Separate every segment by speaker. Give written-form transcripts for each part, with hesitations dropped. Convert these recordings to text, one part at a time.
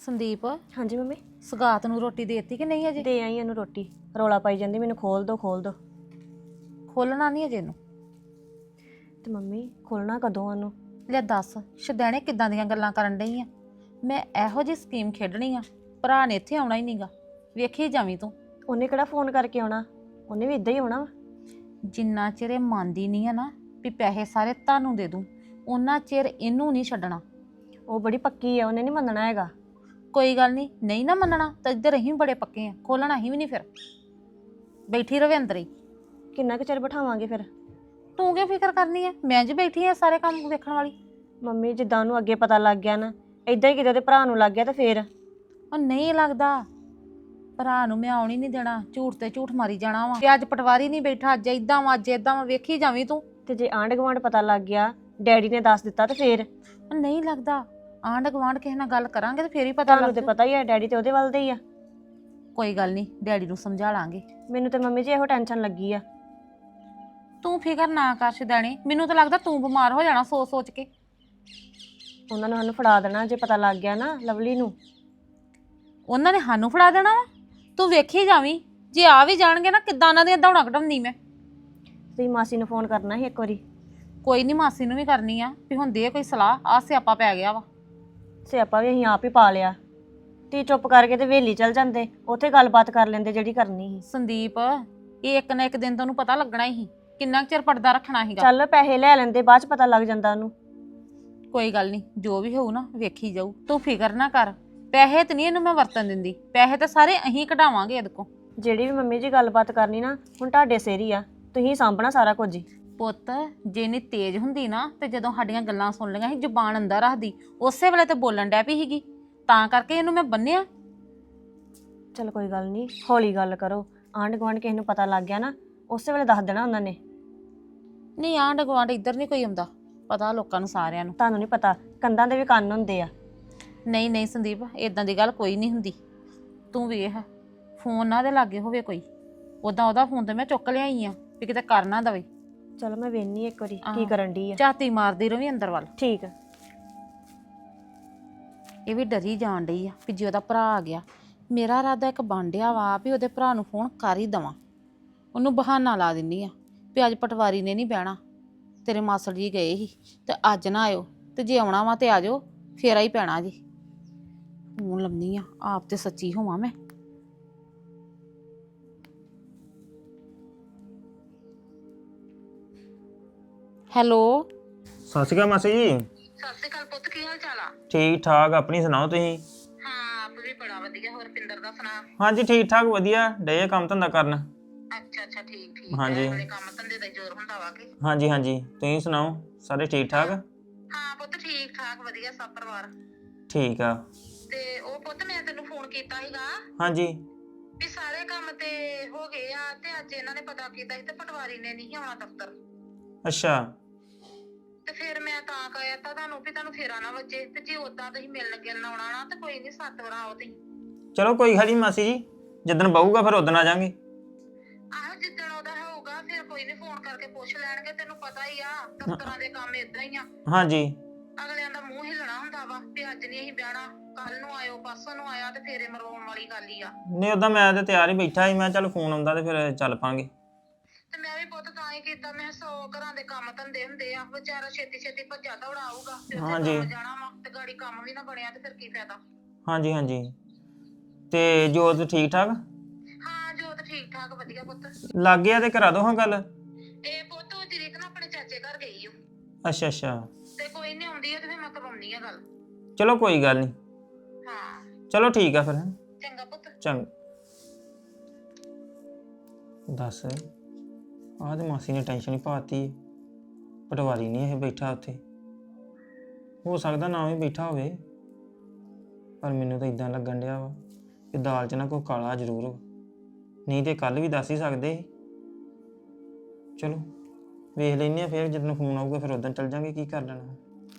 Speaker 1: ਸੰਦੀਪ
Speaker 2: ਹਾਂਜੀ ਮੰਮੀ।
Speaker 1: ਸਗਾਤ ਨੂੰ ਰੋਟੀ ਦੇਤੀ ਕਿ ਨਹੀਂ ਅਜੇ?
Speaker 2: ਦੇ ਆਈ ਇਹਨੂੰ ਰੋਟੀ। ਰੌਲਾ ਪਾਈ ਜਾਂਦੀ ਮੈਨੂੰ ਖੋਲ ਦੋ ਖੋਲ ਦੋ।
Speaker 1: ਖੋਲਣਾ ਨਹੀਂ ਅਜੇ ਨੂੰ।
Speaker 2: ਤੇ ਮੰਮੀ ਖੋਲਣਾ ਕਦੋਂ ਉਹਨੂੰ?
Speaker 1: ਲੈ ਦੱਸ ਸ਼ਦੈਣੇ ਕਿੱਦਾਂ ਦੀਆਂ ਗੱਲਾਂ ਕਰਨ ਡਈ ਆ। ਮੈਂ ਇਹੋ ਜਿਹੀ ਸਕੀਮ ਖੇਡਣੀ ਆ, ਭਰਾ ਨੇ ਇੱਥੇ ਆਉਣਾ ਹੀ ਨਹੀਂਗਾ। ਵੇਖੀ ਜਾਵੀਂ ਤੂੰ।
Speaker 2: ਉਹਨੇ ਕਿਹੜਾ ਫੋਨ ਕਰਕੇ ਆਉਣਾ? ਉਹਨੇ ਵੀ ਇਦਾਂ ਹੀ ਆਉਣਾ ਵਾ।
Speaker 1: ਜਿੰਨਾ ਚਿਰ ਇਹ ਮੰਨਦੀ ਨਹੀਂ ਆ ਨਾ ਵੀ ਪੈਸੇ ਸਾਰੇ ਤੁਹਾਨੂੰ ਦੇ ਦੂੰ, ਉਹਨਾਂ ਚਿਰ ਇਹਨੂੰ ਨਹੀਂ ਛੱਡਣਾ।
Speaker 2: ਉਹ ਬੜੀ ਪੱਕੀ ਆ, ਉਹਨੇ ਨਹੀਂ ਮੰਨਣਾ ਹੈਗਾ।
Speaker 1: ਕੋਈ ਗੱਲ ਨਹੀਂ, ਨਹੀਂ ਨਾ ਮੰਨਣਾ ਤਾਂ ਇੱਧਰ ਅਸੀਂ ਵੀ ਬੜੇ ਪੱਕੇ ਆ, ਖੋਲਣਾ ਅਸੀਂ ਵੀ ਨਹੀਂ। ਫਿਰ ਬੈਠੀ ਰਵੇ ਅੰਦਰ ਹੀ।
Speaker 2: ਕਿੰਨਾ ਕੁ ਚਿਰ ਬਿਠਾਵਾਂਗੇ ਫਿਰ?
Speaker 1: ਤੂੰ ਕੀ ਫਿਕਰ ਕਰਨੀ ਹੈ, ਮੈਂ ਜੀ ਬੈਠੀ ਆ ਸਾਰੇ ਕੰਮ ਵੇਖਣ ਵਾਲੀ।
Speaker 2: ਮੰਮੀ ਜਿੱਦਾਂ ਉਹਨੂੰ ਅੱਗੇ ਪਤਾ ਲੱਗ ਗਿਆ ਨਾ, ਇਦਾਂ ਹੀ ਕਿਤੇ ਉਹਦੇ ਭਰਾ ਨੂੰ ਲੱਗ ਗਿਆ ਤਾਂ ਫੇਰ?
Speaker 1: ਉਹ ਨਹੀਂ ਲੱਗਦਾ, ਭਰਾ ਨੂੰ ਮੈਂ ਆਉਣ ਹੀ ਨਹੀਂ ਦੇਣਾ। ਝੂਠ ਤੇ ਝੂਠ ਮਾਰੀ ਜਾਣਾ ਵਾ ਕਿ ਅੱਜ ਪਟਵਾਰੀ ਨਹੀਂ ਬੈਠਾ, ਅੱਜ ਏਦਾਂ ਵਾ ਅੱਜ ਏਦਾਂ ਵਾ। ਵੇਖੀ ਜਾਵੀਂ ਤੂੰ।
Speaker 2: ਤੇ ਜੇ ਆਂਢ ਗੁਆਂਢ ਪਤਾ ਲੱਗ ਗਿਆ, ਡੈਡੀ ਨੇ ਦੱਸ ਦਿੱਤਾ ਤੇ ਫੇਰ?
Speaker 1: ਉਹ ਨਹੀਂ ਲੱਗਦਾ, ਆਂਢ ਗੁਆਂਢ ਕਿਸੇ ਨਾਲ ਗੱਲ ਕਰਾਂਗੇ ਤੇ ਫੇਰ ਹੀ ਪਤਾ
Speaker 2: ਤੁਹਾਨੂੰ
Speaker 1: ਲੱਗ
Speaker 2: ਤੇ
Speaker 1: ਜੂ।
Speaker 2: ਪਤਾ ਹੀ ਆ ਡੈਡੀ ਤੇ ਉਹਦੇ ਵੱਲ ਦੇ ਹੀ ਆ।
Speaker 1: ਕੋਈ ਗੱਲ ਨਹੀਂ, ਡੈਡੀ ਨੂੰ ਸਮਝਾ ਲਾਂਗੇ।
Speaker 2: ਮੈਨੂੰ ਤੇ ਮੰਮੀ ਜੀ ਇਹੋ ਟੈਨਸ਼ਨ ਲੱਗੀ ਆ।
Speaker 1: ਤੂੰ ਫਿਕਰ ਨਾ ਕਰ ਸ਼ਦੈਣੇ, ਮੈਨੂੰ ਤਾਂ ਲੱਗਦਾ ਤੂੰ ਬਿਮਾਰ ਹੋ ਜਾਣਾ ਸੋਚ ਸੋਚ ਕੇ।
Speaker 2: ਉਹਨਾਂ ਨੇ ਸਾਨੂੰ ਫੜਾ ਦੇਣਾ ਜੇ ਪਤਾ ਲੱਗ ਗਿਆ ਨਾ ਲਵਲੀ ਨੂੰ।
Speaker 1: ਉਹਨਾਂ ਨੇ ਸਾਨੂੰ ਫੜਾ ਦੇਣਾ ਵਾ? ਤੂੰ ਵੇਖੀ ਜਾਵੀਂ, ਜੇ ਆ ਵੀ ਜਾਣਗੇ ਨਾ ਕਿੱਦਾਂ ਉਹਨਾਂ ਦੀਆਂ ਦੌੜਾਂ ਕਢਾਉਂਦੀ ਮੈਂ।
Speaker 2: ਤੁਸੀਂ ਮਾਸੀ ਨੂੰ ਫੋਨ ਕਰਨਾ ਸੀ ਇੱਕ ਵਾਰੀ।
Speaker 1: ਕੋਈ ਨਹੀਂ, ਮਾਸੀ ਨੂੰ ਵੀ ਕਰਨੀ ਆ ਵੀ ਹੁਣ ਦੇ ਕੋਈ ਸਲਾਹ। ਆ ਸਿਆਪਾ ਪੈ ਗਿਆ ਵਾ।
Speaker 2: ਸਿਆਪਾ ਵੀ ਅਸੀਂ ਆਪ ਹੀ ਪਾ ਲਿਆ। ਤੀ ਚੁੱਪ ਕਰਕੇ ਤੇ ਵੇਲੀ ਚਲ ਜਾਂਦੇ, ਉੱਥੇ ਗੱਲਬਾਤ ਕਰ ਲੈਂਦੇ ਜਿਹੜੀ ਕਰਨੀ ਸੀ।
Speaker 1: ਸੰਦੀਪ, ਇਹ ਇੱਕ ਨਾ ਇੱਕ ਦਿਨ ਤੁਹਾਨੂੰ ਪਤਾ ਲੱਗਣਾ ਹੀ। ਕਿੰਨਾ ਕੁ ਚਿਰ ਪਰਦਾ ਰੱਖਣਾ ਸੀਗਾ।
Speaker 2: ਚੱਲ ਪੈਸੇ ਲੈ ਲੈਂਦੇ, ਬਾਅਦ ਚ ਪਤਾ ਲੱਗ ਜਾਂਦਾ ਉਹਨੂੰ।
Speaker 1: ਕੋਈ ਗੱਲ ਨਹੀਂ, ਜੋ ਵੀ ਹੋਊ ਨਾ ਵੇਖੀ ਜਾਊ। ਤੂੰ ਫਿਕਰ ਨਾ ਕਰ। ਪੈਸੇ ਤੇ ਨਹੀਂ ਇਹਨੂੰ ਮੈਂ ਵਰਤਨ ਦਿੰਦੀ, ਪੈਸੇ ਤਾਂ ਸਾਰੇ ਅਸੀਂ ਕਢਾਵਾਂਗੇ ਇਹਦੇ ਕੋਲ।
Speaker 2: ਜਿਹੜੀ ਵੀ ਮੰਮੀ ਜੀ ਗੱਲਬਾਤ ਕਰਨੀ ਨਾ, ਹੁਣ ਤੁਹਾਡੇ ਸਿਰ ਹੀ ਆ, ਤੁਸੀਂ ਸਾਂਭਣਾ ਸਾਰਾ ਕੁਝ ਹੀ।
Speaker 1: ਪੁੱਤ ਜੇ ਇੰਨੀ ਤੇਜ਼ ਹੁੰਦੀ ਨਾ ਤੇ ਜਦੋਂ ਸਾਡੀਆਂ ਗੱਲਾਂ ਸੁਣ ਲਈਆਂ ਸੀ ਜ਼ੁਬਾਨ ਅੰਦਰ ਰੱਖਦੀ, ਉਸੇ ਵੇਲੇ ਤੇ ਬੋਲਣ ਡੈ ਪਈ ਸੀਗੀ। ਤਾਂ ਕਰਕੇ ਇਹਨੂੰ ਮੈਂ ਬੰਨਿਆ।
Speaker 2: ਚਲ ਕੋਈ ਗੱਲ ਨਹੀਂ, ਹੌਲੀ ਗੱਲ ਕਰੋ। ਆਂਢ ਗੁਆਂਢ ਕਿਸੇ ਨੂੰ ਪਤਾ ਲੱਗ ਗਿਆ ਨਾ, ਉਸੇ ਵੇਲੇ ਦੱਸ ਦੇਣਾ ਉਹਨਾਂ ਨੇ।
Speaker 1: ਨਹੀਂ ਆਂਢ ਗੁਆਂਢ ਇੱਧਰ ਨਹੀਂ ਕੋਈ ਆਉਂਦਾ, ਪਤਾ ਲੋਕਾਂ ਨੂੰ ਸਾਰਿਆਂ ਨੂੰ।
Speaker 2: ਤੁਹਾਨੂੰ ਨਹੀਂ ਪਤਾ, ਕੰਧਾਂ ਦੇ ਵੀ ਕੰਨ ਹੁੰਦੇ ਆ।
Speaker 1: ਨਹੀਂ ਨਹੀਂ ਸੰਦੀਪ, ਇਦਾਂ ਦੀ ਗੱਲ ਕੋਈ ਨਹੀਂ ਹੁੰਦੀ। ਤੂੰ ਵੇਖ, ਫੋਨ ਨਾ ਦੇ ਲਾਗੇ ਹੋਵੇ ਕੋਈ। ਉਦਾਂ ਉਹਦਾ ਫੋਨ ਤੇ ਮੈਂ ਚੁੱਕ ਲਿਆਈ ਆ ਵੀ ਕਿਤੇ ਕਰ ਨਾ ਦਵੇ।
Speaker 2: ਚਲੋ ਮੈਂ ਵੇਖਨੀ ਇੱਕ ਵਾਰੀ ਕੀ ਕਰਨ ਡਈ ਆ।
Speaker 1: ਝਾਤੀ ਮਾਰਦੀ ਰਵੀ ਅੰਦਰ ਵੱਲ।
Speaker 2: ਠੀਕ ਆ।
Speaker 1: ਇਹ ਵੀ ਡਰੀ ਜਾਣ ਡਈ ਆ ਵੀ ਜੇ ਉਹਦਾ ਭਰਾ ਆ ਗਿਆ। ਮੇਰਾ ਇਰਾਦਾ ਇੱਕ ਬਾਂਡਿਆ ਵਾ ਵੀ ਉਹਦੇ ਭਰਾ ਨੂੰ ਫੋਨ ਕਰ ਹੀ ਦਵਾਂ। ਉਹਨੂੰ ਬਹਾਨਾ ਲਾ ਦਿੰਨੀ ਆ ਵੀ ਅੱਜ ਪਟਵਾਰੀ ਨੇ ਨਹੀਂ ਬਹਿਣਾ, ਤੇਰੇ ਮਾਸੜ ਜੀ ਗਏ ਸੀ ਤੇ ਅੱਜ ਨਾ ਆਇਓ, ਤੇ ਜੇ ਆਉਣਾ ਵਾ ਤੇ ਆ ਜਾਓ, ਫੇਰਾ ਹੀ ਪੈਣਾ ਜੀ। ਫੋਨ ਲੰਮੀ ਆ, ਆਪ ਤੇ ਸੱਚੀ ਹੋਵਾਂ ਮੈਂ। ਹੈਲੋ।
Speaker 3: ਸਤਿ ਸ਼੍ਰੀ ਅਕਾਲ ਮਾਸੀ ਜੀ।
Speaker 1: ਸਤਿ ਸ਼੍ਰੀ ਅਕਾਲ ਪੁੱਤ, ਕੀ ਹਾਲ ਚਾਲ ਆ?
Speaker 3: ਠੀਕ ਠਾਕ, ਆਪਣੀ ਸੁਣਾਓ ਤੁਸੀਂ?
Speaker 1: ਹਾਂ ਆਪ ਵੀ ਬੜਾ ਵਧੀਆ। ਹੋਰ ਪਿੰਦਰ ਦਾ ਸੁਣਾ?
Speaker 3: ਹਾਂਜੀ ਠੀਕ ਠਾਕ ਵਧੀਆ, ਡੇ ਕੰਮ ਧੰਦਾ ਕਰਨ।
Speaker 1: ਅੱਛਾ ਅੱਛਾ, ਠੀਕ ਠੀਕ।
Speaker 3: ਹਾਂਜੀ।
Speaker 1: ਬੜੇ ਕੰਮ ਧੰਦੇ ਦਾ ਜ਼ੋਰ ਹੁੰਦਾ ਵਾ ਕਿ?
Speaker 3: ਹਾਂਜੀ ਹਾਂਜੀ, ਤੁਸੀਂ ਸੁਣਾਓ, ਸਾਰੇ ਠੀਕ ਠਾਕ?
Speaker 1: ਹਾਂ ਪੁੱਤ ਠੀਕ ਠਾਕ ਵਧੀਆ, ਸਭ ਪਰਿਵਾਰ
Speaker 3: ਠੀਕ ਆ।
Speaker 1: ਤੇ ਉਹ ਪੁੱਤ ਮੈਂ ਤੈਨੂੰ ਫੋਨ ਕੀਤਾ ਸੀਗਾ
Speaker 3: ਹਾਂਜੀ।
Speaker 1: ਵੀ ਸਾਰੇ ਕੰਮ ਤੇ ਹੋ ਗਏ ਆ ਤੇ ਅੱਜ ਇਹਨਾਂ ਨੇ ਪਤਾ ਕੀਤਾ ਸੀ ਤੇ ਪਟਵਾਰੀ ਨੇ ਨਹੀਂ ਆਉਣਾ ਦਫ਼ਤਰ।
Speaker 3: ਅੱਛਾ।
Speaker 1: ਤੇ ਫਿਰ ਮੈਂ ਤਾਂ ਕਹਿਆ ਤਾਂ ਤੁਹਾਨੂੰ ਵੀ ਤੁਹਾਨੂੰ ਫੇਰਾ ਨਾ ਵੱਜੇ, ਤੇ ਜੇ ਉਦਾਂ ਤੁਸੀਂ ਮਿਲਣ ਗਿਲਣ ਆਉਣਾ ਨਾ ਤੇ ਕੋਈ ਨਹੀਂ, 7 ਵਾਰ ਆਓ ਤੁਸੀਂ।
Speaker 3: ਚਲੋ ਕੋਈ ਗੱਲ ਨੀ ਮਾਸੀ ਜੀ, ਜਿੱਦਣ ਬਹੂਗਾ ਫਿਰ ਉਦਣ ਆ ਜਾਾਂਗੇ।
Speaker 1: ਆਹੋ ਜਿੱਦਣ ਉਹਦਾ ਹੋਊਗਾ ਫਿਰ ਕੋਈ ਨਹੀਂ, ਫੋਨ ਕਰਕੇ ਪੁੱਛ ਲੈਣਗੇ। ਤੈਨੂੰ ਪਤਾ ਹੀ ਆ ਦਫ਼ਤਰਾਂ ਦੇ ਕੰਮ ਏਦਾਂ ਹੀ ਆ,
Speaker 3: ਹਾਂਜੀ।
Speaker 1: ਅਗਲਿਆਂ ਦਾ ਮੂੰਹ ਹਿੱਲਣਾ ਹੁੰਦਾ ਵਾ ਵੀ ਅੱਜ ਨਹੀਂ ਅਸੀਂ ਬਹਿਣਾ, ਕੱਲ ਨੂੰ ਆਇਓ, ਪਰਸੋਂ ਨੂੰ ਆਇਆ, ਤੇ ਫੇਰੇ ਮਰਵਾਉਣ ਵਾਲੀ ਗੱਲ ਹੀ ਆ।
Speaker 3: ਨਹੀਂ ਉਦਾਂ ਮੈਂ ਤੇ ਤਿਆਰ ਹੀ ਬੈਠਾ ਸੀ, ਮੈਂ ਚੱਲ ਫੋਨ ਆਉਂਦਾ ਤੇ ਫਿਰ ਚੱਲ ਪਾਂਗੇ।
Speaker 1: ਤੇ ਮੈਂ ਵੀ ਪੁੱਤ ਤਾਂ ਹੀ ਕੀਤਾ, ਮੈਂ 100 ਘਰਾਂ ਦੇ ਕੰਮ ਧੰਦੇ ਹੁੰਦੇ ਆ, ਵਿਚਾਰਾ ਛੇਤੀ ਛੇਤੀ ਭੱਜਾ ਦੌੜਾ ਆਊਗਾ ਤੇ ਉੱਥੇ
Speaker 3: ਹਾਂਜੀ।
Speaker 1: ਕੰਮ ਜਾਣਾ ਵਾ, ਤੇ ਗਾੜੀ ਕੰਮ ਵੀ ਨਾ ਬਣਿਆ ਤੇ ਫਿਰ ਕੀ ਫਾਇਦਾ।
Speaker 3: ਹਾਂਜੀ ਹਾਂਜੀ। ਤੇ ਜੋਤ ਠੀਕ ਠਾਕ?
Speaker 1: ਹਾਂ ਜੋਤ ਠੀਕ ਠਾਕ ਵਧੀਆ ਪੁੱਤ।
Speaker 3: ਲੱਗ ਗਿਆ ਤੇ ਕਰਾ ਦੋ ਹਾਂ ਗੱਲ।
Speaker 1: ਇਹ ਪੁੱਤ ਉਹ ਜਰੀਕ ਨਾ ਆਪਣੇ ਚਾਚੇ ਘਰ ਗਈ ਓ,
Speaker 3: ਅੱਛਾ ਅੱਛਾ।
Speaker 1: ਤੇ ਕੋਈ ਨਹੀਂ ਆਉਂਦੀ ਆ ਤੇ ਫਿਰ ਮੈਂ ਕਰਵਾਉਣੀ ਆ ਗੱਲ।
Speaker 3: ਚਲੋ ਕੋਈ ਗੱਲ ਨਹੀਂ।
Speaker 1: ਹਾਂ
Speaker 3: ਚਲੋ ਠੀਕ ਆ ਫਿਰ।
Speaker 1: ਚੰਗਾ ਪੁੱਤ।
Speaker 3: ਚੰਗਾ। ਦੱਸ, ਆਹ ਤੇ ਮਾਸੀ ਨੇ ਟੈਨਸ਼ਨ ਹੀ ਪਾਤੀ। ਪਟਵਾਰੀ ਨਹੀਂ ਇਹ ਬੈਠਾ ਉੱਥੇ, ਹੋ ਸਕਦਾ ਨਾ ਵੀ ਬੈਠਾ ਹੋਵੇ, ਪਰ ਮੈਨੂੰ ਤਾਂ ਇਦਾਂ ਲੱਗਣ ਡਿਆ ਵਾ ਕਿ ਦਾਲ 'ਚ ਨਾ ਕੋਈ ਕਾਲਾ ਜ਼ਰੂਰ ਵਾ। ਨਹੀਂ ਤੇ ਕੱਲ ਵੀ ਦੱਸ ਹੀ ਸਕਦੇ ਸੀ। ਚਲੋ ਵੇਖ ਲੈਂਦੇ ਆ, ਫਿਰ ਜਦੋਂ ਫੋਨ ਆਊਗਾ ਫਿਰ ਉਦੋਂ ਚੱਲ ਜਾਂਗੇ, ਕੀ ਕਰ ਲੈਣਾ।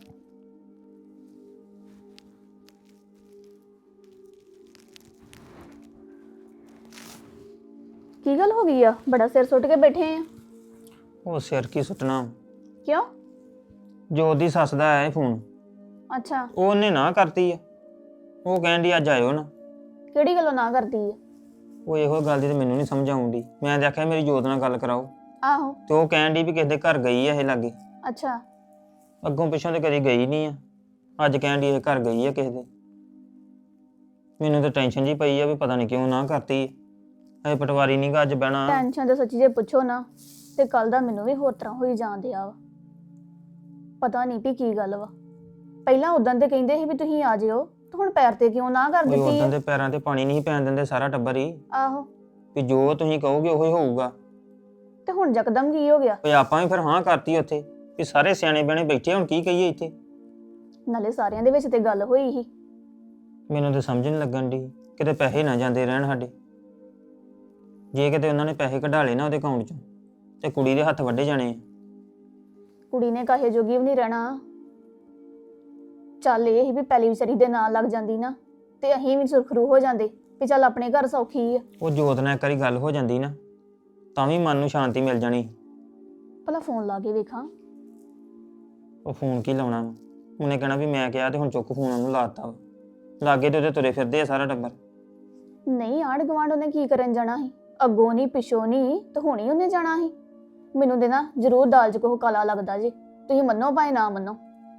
Speaker 4: ਕੀ ਗੱਲ ਹੋ ਗਈ ਆ? ਬੜਾ ਸਿਰ ਸੁੱਟ ਕੇ ਬੈਠੇ ਆ।
Speaker 3: ਉਹ ਸਿਰ ਕੀ ਸੁੱਟਣਾ,
Speaker 4: ਕਿਉਂ?
Speaker 3: ਜੋਤ ਦੀ ਸੱਸ ਦਾ ਆਇਆ ਫੋਨ,
Speaker 4: ਅੱਛਾ।
Speaker 3: ਉਹਨੇ ਨਾ ਕਰਤੀ ਆ। ਉਹ ਕਹਿਣ ਦੀ ਅੱਜ ਆਇਓ ਨਾ।
Speaker 4: ਕਿਹੜੀ ਗੱਲੋਂ ਨਾ ਕਰਦੀ ਆ?
Speaker 3: ਉਹ ਇਹੋ ਗੱਲ ਦੀ ਤੇ ਮੈਨੂੰ ਨਹੀਂ ਸਮਝ ਆਉਂਦੀ। ਮੈਂ ਦੇਖਿਆ ਮੇਰੀ ਜੋਤ ਨਾਲ ਗੱਲ ਕਰਾਓ
Speaker 4: ਆਹੋ।
Speaker 3: ਤੇ ਉਹ ਕਹਿਣ ਦੀ ਵੀ ਕਿਸੇ ਦੇ ਘਰ ਗਈ ਆ ਇਹ ਲਾਗੇ।
Speaker 4: ਅੱਛਾ।
Speaker 3: ਅੱਗੋਂ ਪਿੱਛੋਂ ਤੇ ਕਦੀ ਗਈ ਨਹੀਂ ਆ, ਅੱਜ ਕਹਿਣ ਦੀ ਇਹ ਘਰ ਗਈ ਆ ਕਿਸੇ ਦੇ। ਮੈਨੂੰ ਤਾਂ ਟੈਨਸ਼ਨ ਜੀ ਪਈ ਆ ਵੀ ਪਤਾ ਨਹੀਂ ਕਿਉਂ ਨਾ ਕਰਤੀ। ਇਹ ਪਟਵਾਰੀ ਨਹੀਂ ਗਾ ਅੱਜ ਬਹਿਣਾ।
Speaker 4: ਟੈਨਸ਼ਨ ਤਾਂ ਸੱਚੀ ਜੇ ਪੁੱਛੋ ਨਾ ਤੇ ਕੱਲ ਦਾ ਮੈਨੂੰ ਵੀ ਹੋਰ ਤਰ੍ਹਾਂ ਹੋਈ ਜਾਂਦਿਆ ਵਾ। ਪਤਾ ਨਹੀਂ ਵੀ ਕੀ ਗੱਲ ਵਾ। ਪਹਿਲਾਂ ਉਦੋਂ ਤੇ ਕਹਿੰਦੇ ਸੀ ਵੀ ਤੁਸੀਂ ਆ ਜਿਓ, ਤੇ ਹੁਣ ਪੈਰ ਤੇ ਕਿਉਂ ਨਾ ਕਰ
Speaker 3: ਕੋਈ
Speaker 4: ਦਿੱਤੀ
Speaker 3: ਉਦੋਂ
Speaker 4: ਆ?
Speaker 3: ਦੇ ਪੈਰਾਂ ਤੇ ਪਾਣੀ ਨਹੀਂ ਪੈਣ ਦਿੰਦੇ ਸਾਰਾ ਟੱਬਰ ਹੀ,
Speaker 4: ਆਹੋ।
Speaker 3: ਵੀ ਜੋ ਤੁਸੀਂ ਕਹੋਗੇ ਉਹੀ ਹੋਊਗਾ।
Speaker 4: ਤੇ ਹੁਣ ਯਕਦਮ ਕੀ ਹੋ ਗਿਆ?
Speaker 3: ਵੀ ਆਪਾਂ ਵੀ ਫਿਰ ਹਾਂ ਕਰਤੀ ਉੱਥੇ ਵੀ ਸਾਰੇ ਸਿਆਣੇ ਬਹਿਣੇ ਬੈਠੇ, ਹੁਣ ਕੀ ਕਹੀਏ ਇੱਥੇ।
Speaker 4: ਨਾਲੇ ਸਾਰਿਆਂ ਦੇ ਵਿੱਚ ਤੇ ਗੱਲ ਹੋਈ ਸੀ।
Speaker 3: ਮੈਨੂੰ ਤਾਂ ਸਮਝ ਨਹੀਂ ਲੱਗਣ ਦੀ ਕਿਤੇ ਪੈਸੇ ਨਾ ਜਾਂਦੇ ਰਹਿਣ ਸਾਡੇ। ਜੇ ਕਿਤੇ ਉਹਨਾਂ ਨੇ ਪੈਸੇ ਕਢਾ ਲਏ ਨਾ ਉਹਦੇ ਅਕਾਊਂਟ 'ਚੋਂ ਤੇ ਕੁੜੀ ਦੇ ਹੱਥ ਵੱਢੇ ਜਾਣੇ ਆ।
Speaker 4: ਕੁੜੀ ਨੇ ਕਾਹੇ ਜੋਗੀ ਵੀ ਨਹੀਂ ਰਹਿਣਾ। ਚੱਲ ਇਹ ਸੀ ਵੀ ਪਹਿਲੀ ਵਿਚਾਰੀ ਦੇ ਨਾਲ ਲੱਗ ਜਾਂਦੀ ਨਾ ਤੇ ਅਸੀਂ ਵੀ ਸੁਰਖਰੂ ਹੋ ਜਾਂਦੇ ਵੀ ਚੱਲ ਆਪਣੇ ਘਰ ਸੌਖੀ ਆ।
Speaker 3: ਉਹ ਜੋਤ ਨਾਲ ਇੱਕ ਵਾਰੀ ਗੱਲ ਹੋ ਜਾਂਦੀ ਨਾ ਤਾਂ ਵੀ ਮਨ ਨੂੰ ਸ਼ਾਂਤੀ ਮਿਲ ਜਾਣੀ।
Speaker 4: ਭਲਾ ਫੋਨ ਲਾ ਕੇ ਵੇਖਾਂ।
Speaker 3: ਉਹ ਫੋਨ ਕੀ ਲਾਉਣਾ ਵਾ? ਉਹਨੇ ਕਹਿਣਾ ਵੀ ਮੈਂ ਕਿਹਾ ਤੇ ਹੁਣ ਚੁੱਕ ਫੋਨ ਉਹਨੂੰ ਲਾਤਾ ਵਾ। ਲਾਗੇ ਤੇ ਉਹਦੇ ਤੁਰੇ ਫਿਰਦੇ ਆ ਸਾਰਾ ਟੱਬਰ।
Speaker 4: ਨਹੀਂ ਆਂਢ ਗੁਆਂਢ ਉਹਨੇ ਕੀ ਕਰਨ ਜਾਣਾ ਸੀ? ਅੱਗੋਂ ਨਹੀਂ ਪਿਛੋਂ ਨਹੀਂ ਤੇ ਹੁਣੀ ਉਹਨੇ ਜਾਣਾ ਸੀ। ਮੈਨੂੰ ਦੇ ਨਾ ਜ਼ਰੂਰ ਦਾਲ 'ਚ ਕੋਹ ਕਾਲਾ ਲੱਗਦਾ ਜੀ, ਤੁਸੀਂ ਮੰਨੋ ਭਾਵੇਂ ਨਾ ਮੰਨੋ।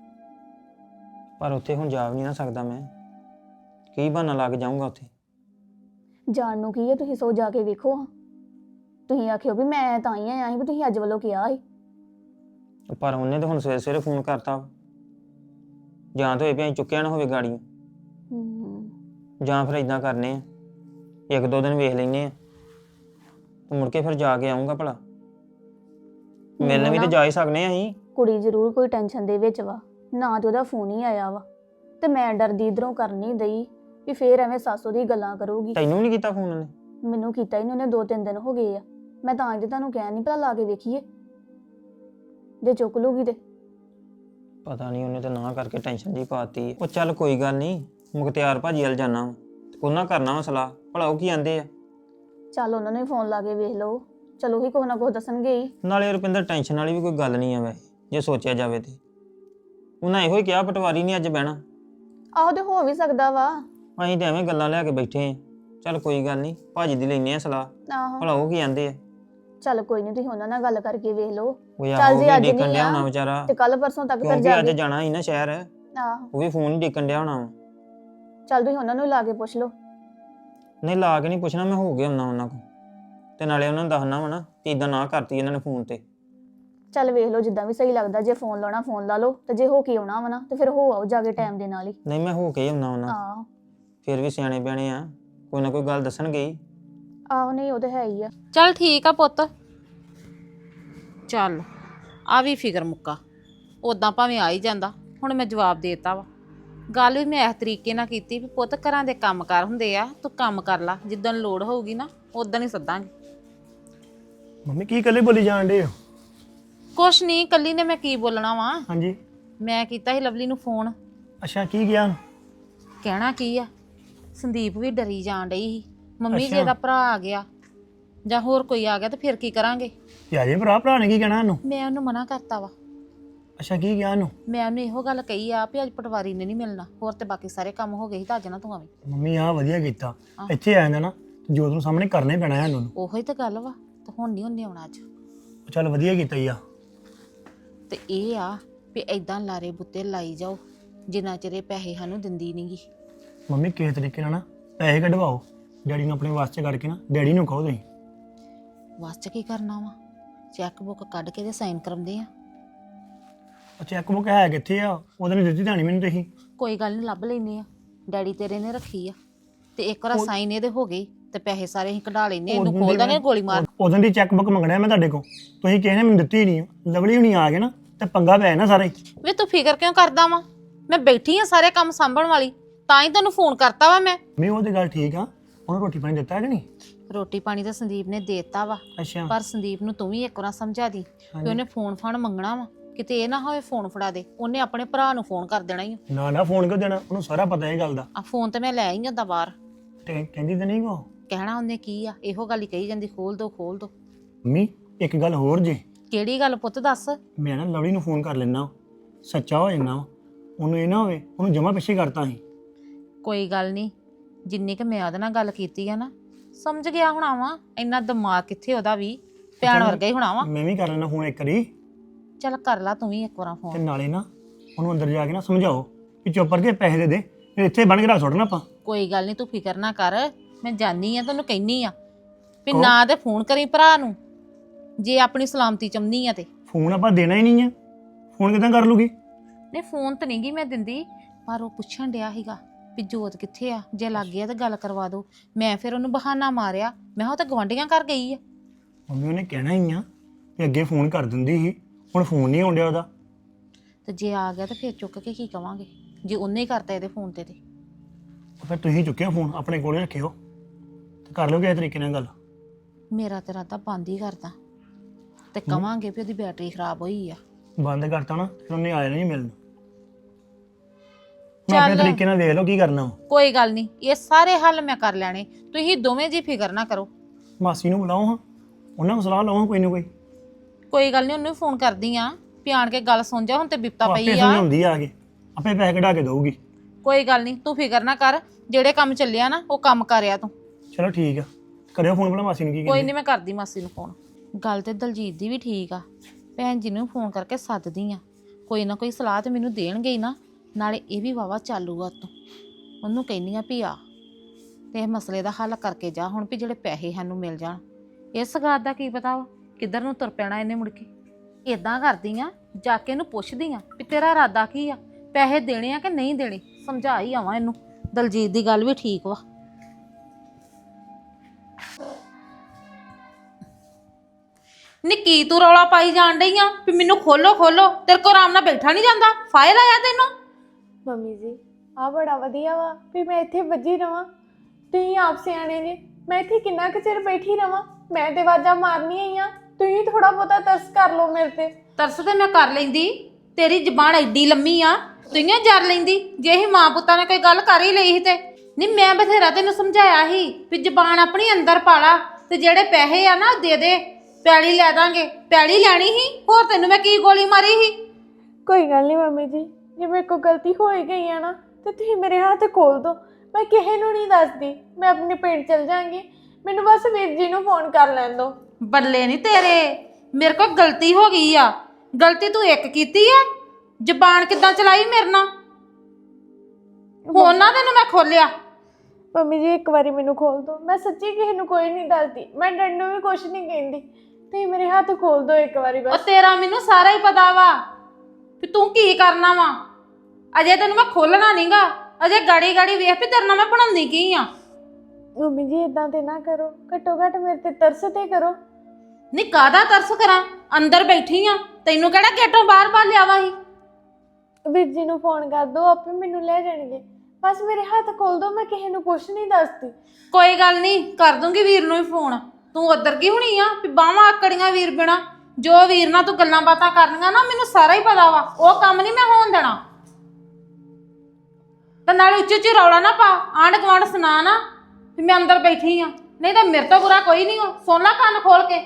Speaker 3: ਪਰ ਉੱਥੇ ਹੁਣ ਜਾ ਵੀ ਨਹੀਂ ਨਾ ਸਕਦਾ ਮੈਂ। ਕੀ ਬਹਾਨਾ ਲੱਗ ਜਾਊਂਗਾ ਉੱਥੇ।
Speaker 4: ਜਾਣ ਨੂੰ ਕੀ ਹੈ, ਤੁਸੀਂ ਸੋ ਜਾ ਕੇ ਵੇਖੋ ਹਾਂ। ਤੁਸੀਂ ਆਖਿਓ ਵੀ ਮੈਂ ਤਾਂ ਹੀ ਆਇਆ ਸੀ ਵੀ ਤੁਸੀਂ ਅੱਜ ਵੱਲੋਂ ਕਿਹਾ ਸੀ।
Speaker 3: ਪਰ ਉਹਨੇ ਤਾਂ ਹੁਣ ਸਵੇਰੇ ਸਵੇਰੇ ਫੋਨ ਕਰਤਾ ਵਾ। ਜਾਂ ਤਾਂ ਹੋਏ ਵੀ ਅਸੀਂ ਚੁੱਕਿਆ ਨਾ ਹੋਵੇ ਗਾੜੀਆਂ, ਜਾਂ ਫਿਰ ਇਦਾਂ ਕਰਨੇ ਆ ਇੱਕ ਦੋ ਦਿਨ ਵੇਖ ਲੈਨੇ ਆ ਤੇ ਮੁੜ ਕੇ ਫਿਰ ਜਾ ਕੇ ਆਉਂਗਾ ਭਲਾ। ਮਿਲਣ ਵੀ ਤੇ ਜਾ ਹੀ ਸਕਨੇ ਆ ਅਸੀਂ।
Speaker 4: ਕੁੜੀ ਜ਼ਰੂਰ ਕੋਈ ਟੈਨਸ਼ਨ ਦੇ ਵਿੱਚ ਵਾ, ਨਾ ਤੇ ਉਹਦਾ ਫੋਨ ਹੀ ਆਇਆ ਵਾ ਤੇ ਮੈਂ ਡਰਦੀ ਇਧਰੋਂ ਕਰਨੀ ਦਈ ਵੀ ਫੇਰ ਐਵੇਂ ਸਾਸੂ ਦੀ ਗੱਲਾਂ ਕਰੂਗੀ।
Speaker 3: ਤੈਨੂੰ ਨਹੀਂ ਕੀਤਾ ਫੋਨ ਉਹਨੇ?
Speaker 4: ਮੈਨੂੰ ਕੀਤਾ ਹੀ ਨਹੀਂ ਉਹਨੇ, 2-3 ਦਿਨ ਹੋ ਗਏ ਆ। ਮੈਂ ਤਾਂ ਅੱਜ ਤੁਹਾਨੂੰ ਕਹਿ ਨਹੀਂ, ਭਲਾ ਲਾ ਕੇ ਵੇਖੀਏ ਜੇ ਚੁੱਕ ਲੂਗੀ ਤੇ।
Speaker 3: ਪਤਾ ਨਹੀਂ ਉਹਨੇ ਤਾਂ ਨਾ ਕਰਕੇ ਟੈਨਸ਼ਨ ਜੀ ਪਾਤੀ। ਉਹ ਚੱਲ ਕੋਈ ਗੱਲ ਨਹੀਂ, ਮੁਖਤਿਆਰ ਭਾਜੀ ਵੱਲ ਜਾਣਾ ਵਾ, ਉਹਨਾਂ ਕਰਨਾ ਵਾ ਸਲਾਹ, ਭਲਾ ਉਹ ਕੀ ਆਂਦੇ ਆ।
Speaker 4: ਚੱਲ ਉਹਨਾਂ ਨੂੰ ਹੀ ਫੋਨ ਲਾ ਕੇ ਵੇਖ ਲਓ, ਚਲੋ ਹੀ ਕੁਛ ਨਾ ਕੁਛ ਦੱਸਣਗੇ ਹੀ।
Speaker 3: ਨਾਲੇ ਰੁਪਿੰਦਰ ਟੈਨਸ਼ਨ ਵਾਲੀ ਵੀ ਕੋਈ ਗੱਲ ਨਹੀਂ ਆ ਵੈਸੇ ਜੇ ਸੋਚਿਆ ਜਾਵੇ ਤੇ। ਉਹਨਾਂ ਇਹੋ ਹੀ ਕਿਹਾ ਪਟਵਾਰੀ ਨਹੀਂ ਅੱਜ ਬਹਿਣਾ।
Speaker 4: ਆਹੋ ਤੇ ਹੋ ਵੀ ਸਕਦਾ ਵਾ।
Speaker 3: ਅਸੀਂ ਤਾਂ ਐਵੇਂ ਗੱਲਾਂ ਲੈ ਕੇ ਬੈਠੇ ਆ। ਚੱਲ ਕੋਈ ਗੱਲ ਨਹੀਂ, ਭਾਜੀ ਦੀ ਲੈਨੇ ਆ ਸਲਾਹ,
Speaker 4: ਆਹੋ
Speaker 3: ਭਲਾ ਉਹ ਕੀ ਆਂਦੇ ਆ।
Speaker 4: ਚੱਲ ਕੋਈ ਨਹੀਂ, ਤੁਸੀਂ ਉਹਨਾਂ ਨਾਲ ਗੱਲ ਕਰਕੇ ਵੇਖ ਲਓ।
Speaker 3: ਉਹ
Speaker 4: ਚੱਲ
Speaker 3: ਆਹੋ
Speaker 4: ਜੇ
Speaker 3: ਵੀ
Speaker 4: ਅੱਜ
Speaker 3: ਡੇਕਣ
Speaker 4: ਨਹੀਂ
Speaker 3: ਡਿਆ
Speaker 4: ਆ
Speaker 3: ਹੋਣਾ ਵਿਚਾਰਾ,
Speaker 4: ਤੇ ਕੱਲ ਪਰਸੋਂ ਤੱਕ ਫਿਰ
Speaker 3: ਕਿਉਂਕਿ ਅੱਜ
Speaker 4: ਜਾ
Speaker 3: ਜਾਣਾ ਸੀ ਨਾ ਸ਼ਹਿਰ।
Speaker 4: ਆਹੋ
Speaker 3: ਉਹ ਵੀ ਫੋਨ ਹੀ ਡੇਕਣ ਡਿਆ ਹੋਣਾ ਵਾ।
Speaker 4: ਚੱਲ ਤੁਸੀਂ ਉਹਨਾਂ ਨੂੰ ਲਾ ਕੇ ਪੁੱਛ ਲਓ।
Speaker 3: ਨਹੀਂ ਲਾ ਕੇ ਨਹੀਂ ਪੁੱਛਣਾ, ਮੈਂ ਹੋ ਗਿਆ ਹੁੰਦਾ ਉਹਨਾਂ ਕੋਲ, ਤੇ ਨਾਲੇ ਉਹਨਾਂ ਨੂੰ ਦੱਸਣਾ ਵਾ ਨਾ ਕਿ ਇਦਾਂ ਨਾ ਕਰਤੀ ਇਹਨਾਂ ਨੇ ਫੋਨ ਤੇ।
Speaker 4: ਚੱਲ ਵੇਖ ਲਓ ਜਿੱਦਾਂ ਵੀ ਸਹੀ ਲੱਗਦਾ। ਜੇ ਫੋਨ ਲਾਉਣਾ ਫੋਨ ਲਾ ਲਓ, ਤੇ ਜੇ ਹੋ ਕੇ ਆਉਣਾ ਵਾ ਨਾ ਤੇ ਫਿਰ ਹੋ ਆਓ ਜਾ ਕੇ ਟਾਈਮ ਦੇ ਨਾਲ ਹੀ।
Speaker 3: ਨਹੀਂ ਮੈਂ ਹੋ ਕੇ ਹੀ ਹੁੰਦਾ ਉਹਨਾਂ,
Speaker 4: ਆਹੋ
Speaker 3: ਫਿਰ ਵੀ ਸਿਆਣੇ ਬਿਆਣੇ ਆ, ਕੋਈ ਨਾ ਕੋਈ ਗੱਲ ਦੱਸਣਗੇ ਹੀ।
Speaker 4: ਆਹੋ ਨਹੀਂ ਉਹ ਤਾਂ ਹੈ ਹੀ ਆ।
Speaker 1: ਚੱਲ ਠੀਕ ਆ ਪੁੱਤ। ਚੱਲ ਆ ਵੀ ਫਿਕਰ ਮੁੱਕਾ। ਉਦਾਂ ਭਾਵੇਂ ਆ ਹੀ ਜਾਂਦਾ, ਹੁਣ ਮੈਂ ਜਵਾਬ ਦੇਤਾ ਵਾ। ਗੱਲ ਵੀ ਮੈਂ ਇਸ ਤਰੀਕੇ ਨਾਲ ਕੀਤੀ ਵੀ ਪੁੱਤ ਘਰਾਂ ਦੇ ਕੰਮ ਕਾਰ ਹੁੰਦੇ ਆ, ਤੂੰ ਕੰਮ ਕਰ ਲਾ, ਜਿੱਦਣ ਲੋੜ ਹੋਊਗੀ ਨਾ ਉਦੋਂ ਹੀ ਸੱਦਾਂਗੇ।
Speaker 5: ਮੰਮੀ ਕੀ ਇਕੱਲੇ ਬੋਲੀ ਜਾਣ ਡੇ ਹੋ?
Speaker 1: ਕੁਛ ਨਹੀਂ, ਕੱਲੀ ਨੇ ਮੈਂ ਕੀ ਬੋਲਣਾ ਵਾ।
Speaker 5: ਹਾਂਜੀ।
Speaker 1: ਮੈਂ ਕੀਤਾ ਸੀ ਲਵਲੀ ਨੂੰ ਫੋਨ।
Speaker 5: ਅੱਛਾ ਕੀ ਗਿਆ?
Speaker 1: ਕਹਿਣਾ ਕੀ ਆ, ਸੰਦੀਪ ਵੀ ਡਰੀ ਜਾਣ ਡਈ ਸੀ ਮੰਮੀ
Speaker 5: ਅੱਛਾ।
Speaker 1: ਜੇ ਦਾ ਭਰਾ ਆ ਗਿਆ ਜਾਂ ਹੋਰ ਕੋਈ ਆ ਗਿਆ ਤੇ ਫਿਰ ਕੀ ਕਰਾਂਗੇ।
Speaker 5: ਯਾ ਜੇ ਭਰਾ ਨੇ ਕੀ ਕਹਿਣਾ ਉਹਨੂੰ?
Speaker 1: ਮੈਂ ਉਹਨੂੰ ਮਨਾ ਕਰਤਾ ਵਾ।
Speaker 5: ਅੱਛਾ ਕੀ ਗਿਆ ਉਹਨੂੰ?
Speaker 1: ਮੈਂ ਉਹਨੂੰ ਇਹੋ ਗੱਲ ਕਹੀ ਆ ਵੀ ਅੱਜ ਪਟਵਾਰੀ ਨੇ ਨਹੀਂ ਮਿਲਣਾ, ਹੋਰ ਤੇ ਬਾਕੀ ਸਾਰੇ ਕੰਮ ਹੋ ਗਏ ਸੀ ਤਾਂ ਅੱਜ ਨਾ ਤੂੰ ਆਵੀਂ।
Speaker 5: ਮੰਮੀ ਆ ਵਧੀਆ ਕੀਤਾ, ਇੱਥੇ ਆ ਜਾਂਦਾ ਨਾ ਜੋਤ ਨੂੰ ਸਾਹਮਣੇ ਕਰਨਾ ਹੀ ਪੈਣਾ ਸਾਨੂੰ।
Speaker 1: ਉਹੋ ਹੀ ਤਾਂ ਗੱਲ ਵਾ, ਤੇ ਹੁਣ ਨਹੀਂ ਉਹਨੇ ਆਉਣਾ ਅੱਜ।
Speaker 5: ਚੱਲ ਵਧੀਆ ਕੀਤਾ ਹੀ ਆ।
Speaker 1: ਤੇ ਇਹ ਆ ਵੀ ਐਦਾਂ ਲਾਰੇ ਬੁੱਤੇ ਲਾਈ ਜਾਓ ਜਿੰਨਾ ਚਿਰ ਪੈਸੇ ਸਾਨੂੰ ਦਿੰਦੀ ਨਹੀਂਗੀ।
Speaker 5: ਮੰਮੀ ਕਿਸੇ ਤਰੀਕੇ ਨਾਲ ਨਾ ਪੈਸੇ ਕਢਵਾਓ, ਡੈਡੀ ਨੂੰ ਆਪਣੇ ਵਾਸਤੇ ਕਰਕੇ ਨਾ, ਡੈਡੀ ਨੂੰ ਕਹੋ ਤੁਸੀਂ।
Speaker 1: ਬਸ ਚ ਕੀ ਕਰਨਾ ਵਾ, ਚੈੱਕ ਬੁੱਕ ਕੱਢ ਕੇ ਤੇ ਸਾਈਨ ਕਰਾਉਂਦੇ ਆ।
Speaker 5: ਉਹ ਚੈੱਕ ਬੁੱਕ ਹੈ ਕਿੱਥੇ ਆ? ਉਹਦੇ ਨੇ ਦਿੱਤੀ ਤਾਂ ਨਹੀਂ ਮੈਨੂੰ ਤੁਸੀਂ।
Speaker 1: ਕੋਈ ਗੱਲ ਨਹੀਂ, ਲੱਭ ਲੈਨੇ ਆ, ਡੈਡੀ ਤੇਰੇ ਨੇ ਰੱਖੀ ਆ। ਤੇ ਇੱਕ ਵਾਰ ਸਾਈਨ ਇਹਦੇ ਹੋ ਗਏ ਤੇ ਪੈਸੇ ਸਾਰੇ ਅਸੀਂ ਕਢਾ ਲੈਨੇ, ਇਹਨੂੰ ਖੋਲ ਦਾਂਗੇ ਗੋਲੀ ਮਾਰ।
Speaker 5: ਉਦੋਂ ਦੀ ਚੈੱਕ ਬੁੱਕ ਮੰਗਣਾ ਮੈਂ ਤੁਹਾਡੇ ਕੋਲ, ਤੁਸੀਂ ਕਿਸੇ ਨੇ ਮੈਨੂੰ ਦਿੱਤੀ ਨਹੀਂ। ਲਵਲੀ ਹੁਣੀ ਆ ਗਏ ਨਾ ਤੇ ਪੰਗਾ ਪਿਆ ਨਾ ਸਾਰੇ।
Speaker 1: ਵੇ ਤੂੰ ਫਿਕਰ ਕਿਉਂ ਕਰਦਾ ਵਾ? ਮੈਂ ਬੈਠੀ ਆ ਸਾਰੇ ਕੰਮ ਸੰਭਣ ਵਾਲੀ, ਤਾਂ ਹੀ ਤੈਨੂੰ ਫੋਨ ਕਰਤਾ ਵਾ ਮੈਂ।
Speaker 5: ਮੈਂ ਉਹ ਤੇ ਗੱਲ ਠੀਕ ਆ, ਉਹਨੂੰ ਰੋਟੀ ਪਾਣੀ ਦਿੱਤਾ ਕਿ ਨਹੀਂ?
Speaker 1: ਰੋਟੀ ਪਾਣੀ ਤਾਂ ਸੰਦੀਪ ਨੇ ਦੇਤਾ ਵਾ,
Speaker 5: ਅੱਛਾ।
Speaker 1: ਪਰ ਸੰਦੀਪ ਨੂੰ ਤੂੰ ਵੀ ਇੱਕ ਵਾਰ ਸਮਝਾ ਦੀ ਕਿ ਉਹਨੇ ਫੋਨ ਫਾਨ ਮੰਗਣਾ ਵਾ, ਕਿਤੇ ਇਹ ਨਾ ਹੋਵੇ ਫੋਨ ਫੜਾ ਦੇ, ਉਹਨੇ ਆਪਣੇ ਭਰਾ ਨੂੰ ਫੋਨ ਕਰ ਦੇਣਾ ਹੀ।
Speaker 5: ਨਾ ਨਾ ਫੋਨ ਕਿਉਂ ਦੇਣਾ, ਉਹਨੂੰ ਸਾਰਾ ਪਤਾ ਇਹ ਗੱਲ ਦਾ।
Speaker 1: ਆ ਫੋਨ ਤੇ ਮੈਂ ਲੈ ਹੀ ਜਾਂਦਾ ਬਾਹਰ।
Speaker 5: ਤੇ ਕਹਿੰਦੀ ਤਾਂ ਨਹੀਂ ਕੋ?
Speaker 1: ਕਹਿਣਾ ਉਹਨੇ ਕੀ ਆ, ਇਹੋ ਗੱਲ ਹੀ ਕਹੀ ਜਾਂਦੀ, ਖੋਲ ਦੋ ਖੋਲ ਦੋ।
Speaker 5: ਮੰਮੀ ਇੱਕ ਗੱਲ ਹੋਰ ਜੇ।
Speaker 1: ਕਿਹੜੀ ਗੱਲ ਪੁੱਤ ਦੱਸ?
Speaker 5: ਮੈਂ ਨਾ ਲਵਲੀ ਨੂੰ ਫੋਨ ਕਰ ਲੈਣਾ, ਸੱਚਾ ਹੋ ਜਾਣਾ, ਉਹਨੂੰ ਇਹ ਨਾ ਹੋਵੇ ਉਹਨੂੰ ਜਮਾ ਪਿੱਛੇ ਕਰਤਾ ਸੀ।
Speaker 1: ਕੋਈ ਗੱਲ ਨਹੀਂ, ਜਿੰਨੀ ਕਿ ਮੈਂ ਉਹਦੇ ਨਾਲ ਗੱਲ ਕੀਤੀ ਆ ਨਾ, ਸਮਝ ਗਿਆ ਹੋਣਾ ਵਾ। ਇੰਨਾ ਦਿਮਾਗ ਕਿੱਥੇ ਉਹਦਾ ਵੀ, ਭੈਣ ਵਰਗਾ ਹੀ ਹੋਣਾ ਵਾ।
Speaker 5: ਮੈਂ ਵੀ ਕਰ ਲੈਣਾ ਫੋਨ ਇੱਕ ਵਾਰੀ,
Speaker 1: ਚੱਲ ਕਰ ਲਾ ਤੂੰ ਵੀ ਇੱਕ ਵਾਰ
Speaker 5: ਤੇ
Speaker 1: ਫੋਨ।
Speaker 5: ਨਾਲੇ ਨਾ ਉਹਨੂੰ ਅੰਦਰ ਜਾ ਕੇ ਨਾ ਸਮਝਾਓ ਕਿ ਚੁੱਪ ਕਰਕੇ ਪੈਸੇ ਦੇ ਦੇ, ਫਿਰ ਇੱਥੇ ਬਣ ਕੇ ਰੱਖ ਛੱਡਣਾ ਆਪਾਂ।
Speaker 1: ਕੋਈ ਗੱਲ ਨਹੀਂ, ਤੂੰ ਫਿਕਰ ਨਾ ਕਰ, ਮੈਂ ਜਾਣੀ ਆ, ਤੈਨੂੰ ਕਹਿਨੀ ਆ ਵੀ ਨਾ ਤੇ ਫੋਨ ਕਰੀ ਭਰਾ ਨੂੰ, ਜੇ ਆਪਣੀ ਸਲਾਮਤੀ ਚਾਹੁੰਦੀ ਆ ਤੇ।
Speaker 5: ਫੋਨ ਆਪਾਂ ਦੇਣਾ ਹੀ ਨਹੀਂ ਆ, ਫੋਨ ਕਿਦਾਂ ਕਰ ਲੂਗੀ?
Speaker 1: ਨਹੀਂ ਫੋਨ ਤਾਂ ਨਹੀਂ ਗੀ ਮੈਂ ਦਿੰਦੀ, ਪਰ ਉਹ ਪੁੱਛਣ ਡਿਆ ਸੀਗਾ ਵੀ ਜੋਤ ਕਿੱਥੇ ਆ, ਜੇ ਲੱਗ ਗਿਆ ਤਾਂ ਗੱਲ ਕਰਵਾ ਦੋ। ਮੈਂ ਫਿਰ ਉਹਨੂੰ ਬਹਾਨਾ ਮਾਰਿਆ, ਮੈਂ ਕਿਹਾ ਉਹ ਤਾਂ ਗਵਾਂਢੀਆਂ ਘਰ ਗਈ ਆ।
Speaker 5: ਮੰਮੀ ਉਹਨੇ ਕਹਿਣਾ ਹੀ ਆ ਕਿ ਅੱਗੇ ਫੋਨ ਕਰ ਦਿੰਦੀ ਸੀ, ਹੁਣ ਫੋਨ ਨਹੀਂ ਆਉਂਦਿਆ ਉਹਦਾ।
Speaker 1: ਤੇ ਜੇ ਆ ਗਿਆ ਤਾਂ ਫਿਰ ਚੁੱਕ ਕੇ ਕੀ ਕਵਾਂਗੇ, ਜੇ ਉਹਨੇ ਹੀ ਕਰਤਾ ਇਹਦੇ ਫੋਨ ਤੇ।
Speaker 5: ਫਿਰ ਤੁਸੀਂ ਚੁੱਕਿਆ ਫੋਨ ਆਪਣੇ ਕੋਲ ਰੱਖਿਓ ਤੇ ਕਰ ਲਓ ਕਿਸੇ ਤਰੀਕੇ ਨਾਲ ਗੱਲ।
Speaker 1: ਮੇਰਾ ਤੇ ਰਾਤਾ ਬੰਦ ਹੀ ਕਰਦਾ, ਤੇ ਕਵਾਂਗੇ ਵੀ ਉਹਦੀ ਬੈਟਰੀ ਖਰਾਬ ਹੋਈ ਆ।
Speaker 5: ਬੰਦ ਕਰਤਾ ਨਾ ਫਿਰ ਉਹਨੇ ਆ ਜਾਣਾ ਨਹੀਂ ਮਿਲਣ। ਆਪਣੇ ਤਰੀਕੇ ਨਾਲ ਵੇਖ ਲਓ ਕੀ ਕਰਨਾ ਵਾ।
Speaker 1: ਕੋਈ ਗੱਲ ਨਹੀਂ, ਇਹ ਸਾਰੇ ਹੱਲ ਮੈਂ ਕਰ ਲੈਣੇ, ਤੁਸੀਂ ਦੋਵੇਂ ਜੀ ਫਿਕਰ ਨਾ ਕਰੋ।
Speaker 5: ਮਾਸੀ ਨੂੰ ਬੁਲਾਓ ਹਾਂ, ਉਹਨਾਂ ਨੂੰ ਸਲਾਹ ਲਓ ਹਾਂ ਕੋਈ ਨਾ ਕੋਈ।
Speaker 1: ਕੋਈ ਗੱਲ ਨਹੀਂ, ਉਹਨੂੰ ਵੀ ਫੋਨ ਕਰਦੀ ਆ, ਪਿਆਣ ਕੇ ਗੱਲ ਸੁਣ ਜਾ, ਹੁਣ ਤੇ ਬਿਪਤਾ
Speaker 5: ਆਪੇ
Speaker 1: ਪਈ ਆ।
Speaker 5: ਸਮਝਾਉਂਦੀ ਆ ਕੇ, ਆਪੇ ਪੈਸੇ ਕਢਾ ਕੇ ਦਊਗੀ।
Speaker 1: ਕੋਈ ਗੱਲ ਨਹੀਂ, ਤੂੰ ਫਿਕਰ ਨਾ ਕਰ, ਜਿਹੜੇ ਕੰਮ ਚੱਲਿਆ ਨਾ ਉਹ ਕੰਮ ਕਰਿਆ ਤੂੰ।
Speaker 5: ਚਲੋ ਠੀਕ ਆ, ਕਰਿਓ ਫੋਨ ਭਲਾ ਮਾਸੀ ਨੂੰ ਕੀ
Speaker 1: ਕੋਈ
Speaker 5: ਕਹਿੰਦੇ।
Speaker 1: ਨਹੀਂ, ਮੈਂ ਕਰਦੀ ਮਾਸੀ ਨੂੰ ਫੋਨ। ਗੱਲ ਤੇ ਦਲਜੀਤ ਦੀ ਵੀ ਠੀਕ ਆ, ਭੈਣ ਜੀ ਨੂੰ ਫੋਨ ਕਰਕੇ ਸੱਦਦੀ ਆ, ਕੋਈ ਨਾ ਕੋਈ ਸਲਾਹ ਤੇ ਮੈਨੂੰ ਦੇਣਗੇ ਹੀ ਨਾ। ਨਾਲੇ ਇਹ ਵੀ ਵਾਵਾ ਚਾਲੂਗਾ ਤੂੰ, ਉਹਨੂੰ ਕਹਿੰਦੀ ਆ ਵੀ ਆ ਤੇ ਇਹ ਮਸਲੇ ਦਾ ਹੱਲ ਕਰਕੇ ਜਾ ਹੁਣ, ਵੀ ਜਿਹੜੇ ਪੈਸੇ ਸਾਨੂੰ ਮਿਲ ਜਾਣ। ਇਸ ਗੱਲ ਦਾ ਕੀ ਪਤਾ ਵਾ ਕਿੱਧਰ ਨੂੰ ਤੁਰ ਪੈਣਾ ਇਹਨੇ ਮੁੜ ਕੇ। ਇਦਾਂ ਕਰਦੀ ਆ, ਜਾ ਕੇ ਇਹਨੂੰ ਪੁੱਛਦੀ ਆ ਵੀ ਤੇਰਾ ਇਰਾਦਾ ਕੀ ਆ, ਪੈਸੇ ਦੇਣੇ ਆ ਕਿ ਨਹੀਂ ਦੇਣੇ, ਸਮਝਾ ਹੀ ਆਵਾਂ ਇਹਨੂੰ। ਦਲਜੀਤ ਦੀ ਗੱਲ ਵੀ ਠੀਕ ਵਾ। ਨੀ ਕੀ ਤੂੰ ਰੌਲਾ ਪਾਈ ਜਾਣ ਡਈ ਆ ਵੀ ਮੈਨੂੰ ਖੋਲੋ ਖੋਲੋ, ਤੇਰੇ ਕੋਲ ਆਰਾਮ ਨਾਲ ਬੈਠਾ ਨਹੀਂ ਜਾਂਦਾ, ਫਾਇਲ ਆਇਆ ਤੈਨੂੰ?
Speaker 6: ਮੰਮੀ ਜੀ ਆ ਬੜਾ ਵਧੀਆ ਵਾ ਵੀ ਮੈਂ ਇੱਥੇ ਵੱਜੀ ਰਵਾਂ, ਤੁਸੀਂ ਆਪ ਸਿਆਣੇ ਨੇ, ਮੈਂ ਇੱਥੇ ਕਿੰਨਾ ਕੁ ਚਿਰ ਬੈਠੀ ਰਵਾਂ, ਮੈਂ ਤੇ ਆਵਾਜ਼ਾਂ ਮਾਰਨੀ ਆਈ ਆ, ਤੁਸੀਂ ਥੋੜਾ ਬਹੁਤਾ ਤਰਸ ਕਰ ਲਓ ਮੇਰੇ ਤੇ।
Speaker 1: ਤਰਸ ਤੇ ਮੈਂ ਕਰ ਲੈਂਦੀ, ਤੇਰੀ ਜ਼ਬਾਨ ਐਡੀ ਲੰਮੀ ਆ, ਤੂੰ ਜਰ ਲੈਂਦੀ ਜੇ ਹੀ ਮਾਂ ਪੁੱਤਾਂ ਨੇ ਕੋਈ ਗੱਲ ਕਰ ਹੀ ਲਈ ਸੀ ਤੇ। ਨਹੀਂ ਮੈਂ ਬਥੇਰਾ ਤੈਨੂੰ ਸਮਝਾਇਆ ਸੀ ਵੀ ਜ਼ਬਾਨ ਆਪਣੀ ਅੰਦਰ ਪਾ ਲਾ, ਤੇ ਜਿਹੜੇ ਪੈਸੇ ਆ ਨਾ ਦੇ ਦੇ, ਪੈਲੀ ਲੈ ਦਾਂਗੇ। ਪੈਲੀ ਲੈਣੀ ਸੀ, ਹੋਰ ਤੈਨੂੰ ਮੈਂ ਕੀ ਗੋਲੀ ਮਾਰੀ ਸੀ?
Speaker 6: ਕੋਈ ਗੱਲ ਨਹੀਂ ਮੰਮੀ ਜੀ, ਜੇ ਮੇਰੇ ਕੋਲ ਗਲਤੀ ਹੋ ਹੀ ਗਈ ਆ ਨਾ ਤੇ ਤੁਸੀਂ ਮੇਰੇ ਹੱਥ ਖੋਲ ਦਿਓ, ਮੈਂ ਕਿਸੇ ਨੂੰ ਨਹੀਂ ਦੱਸਦੀ, ਮੈਂ ਆਪਣੇ ਪਿੰਡ ਚਲ ਜਾਂਗੀ, ਮੈਨੂੰ ਬਸ ਵੀਰ ਜੀ ਨੂੰ ਫੋਨ ਕਰ ਲੈਣ ਦਿਓ।
Speaker 1: ਬੱਲੇ ਨਹੀਂ ਤੇਰੇ, ਮੇਰੇ ਕੋਲ ਗਲਤੀ ਹੋ ਗਈ ਆ। ਗਲਤੀ ਤੂੰ ਇੱਕ ਕੀਤੀ ਆ, ਜ਼ਬਾਨ ਕਿੱਦਾਂ ਚਲਾਈ ਮੇਰੇ ਨਾਲ, ਹੁਣ ਨਾ ਤੈਨੂੰ ਮੈਂ ਖੋਲਿਆ।
Speaker 6: ਮੰਮੀ ਜੀ ਇੱਕ ਵਾਰੀ ਮੈਨੂੰ ਖੋਲ ਦਿਓ, ਮੈਂ ਸੱਚੀ ਕਿਸੇ ਨੂੰ ਕੋਈ ਨਹੀਂ ਦੱਸਦੀ, ਮੈਂ ਡੈਡ ਨੂੰ ਵੀ ਕੁਝ ਨਹੀਂ ਕਹਿੰਦੀ, ਤੁਸੀਂ ਮੇਰੇ ਹੱਥ ਖੋਲ ਦਿਓ ਇੱਕ ਵਾਰੀ
Speaker 1: ਉਹ
Speaker 6: ਬਸ।
Speaker 1: ਤੇਰਾ ਮੈਨੂੰ ਸਾਰਾ ਹੀ ਪਤਾ ਵਾ ਵੀ ਤੂੰ ਕੀ ਕਰਨਾ ਵਾ। ਅਜੇ ਤੈਨੂੰ ਮੈਂ ਖੋਲਣਾ ਨਹੀਂਗਾ, ਅਜੇ ਗਾੜੀ ਗਾੜੀ ਵੇਖ ਵੀ ਤੇਰੇ ਨਾਲ ਮੈਂ ਬਣਾਉਂਦੀ ਕੀ ਆ।
Speaker 6: ਮੰਮੀ ਜੀ ਇਦਾਂ ਤੇ ਨਾ ਕਰੋ, ਘੱਟੋ ਘੱਟ ਮੇਰੇ ਤੇ ਤਰਸ ਤੇ ਕਰੋ।
Speaker 1: ਨੀ ਕਾਹਦਾ ਤਰਸ ਕਰਾਂ, ਅੰਦਰ ਬੈਠੀ ਆ, ਤੈਨੂੰ ਕਿਹੜਾ ਗੇਟੋਂ ਬਾਹਰ ਲਿਆਵਾ ਸੀ?
Speaker 6: ਵੀਰ ਜੀ ਨੂੰ ਫੋਨ ਕਰ ਦਿਓ, ਆਪੇ ਮੈਨੂੰ ਲੈ ਜਾਣਗੇ, ਬਸ ਮੇਰੇ ਹੱਥ ਖੋਲ ਦਿਓ, ਮੈਂ ਕਿਸੇ ਨੂੰ ਕੁਝ ਨਹੀਂ ਦੱਸਦੀ।
Speaker 1: ਕੋਈ ਗੱਲ ਨਹੀਂ, ਕਰ ਦੂੰਗੀ ਵੀਰ ਨੂੰ ਹੀ ਫੋਨ। ਤੂੰ ਉੱਧਰ ਕੀ ਹੋਣੀ ਆ ਵੀ ਬਾਹਾਂ ਆਕੜੀਆਂ ਵੀਰ ਬਿਨਾ? ਜੋ ਵੀਰ ਨਾਲ ਤੂੰ ਗੱਲਾਂ ਬਾਤਾਂ ਕਰਨੀਆਂ ਨਾ, ਮੈਨੂੰ ਸਾਰਾ ਹੀ ਪਤਾ ਵਾ, ਉਹ ਕੰਮ ਨਹੀਂ ਮੈਂ ਹੋਣ ਦੇਣਾ। ਤੇ ਨਾਲੇ ਉੱਚੀ ਉੱਚੀ ਰੌਲਾ ਨਾ ਪਾ, ਆਂਢ ਗੁਆਂਢ ਸੁਣਾ ਨਾ ਵੀ ਮੈਂ ਅੰਦਰ ਬੈਠੀ ਆ, ਨਹੀਂ ਤਾਂ ਮੇਰੇ ਤੋਂ ਬੁਰਾ ਕੋਈ ਨਹੀਂ ਹੋ। ਸੁਣ ਲੈ ਕੰਨ ਖੋਲ ਕੇ।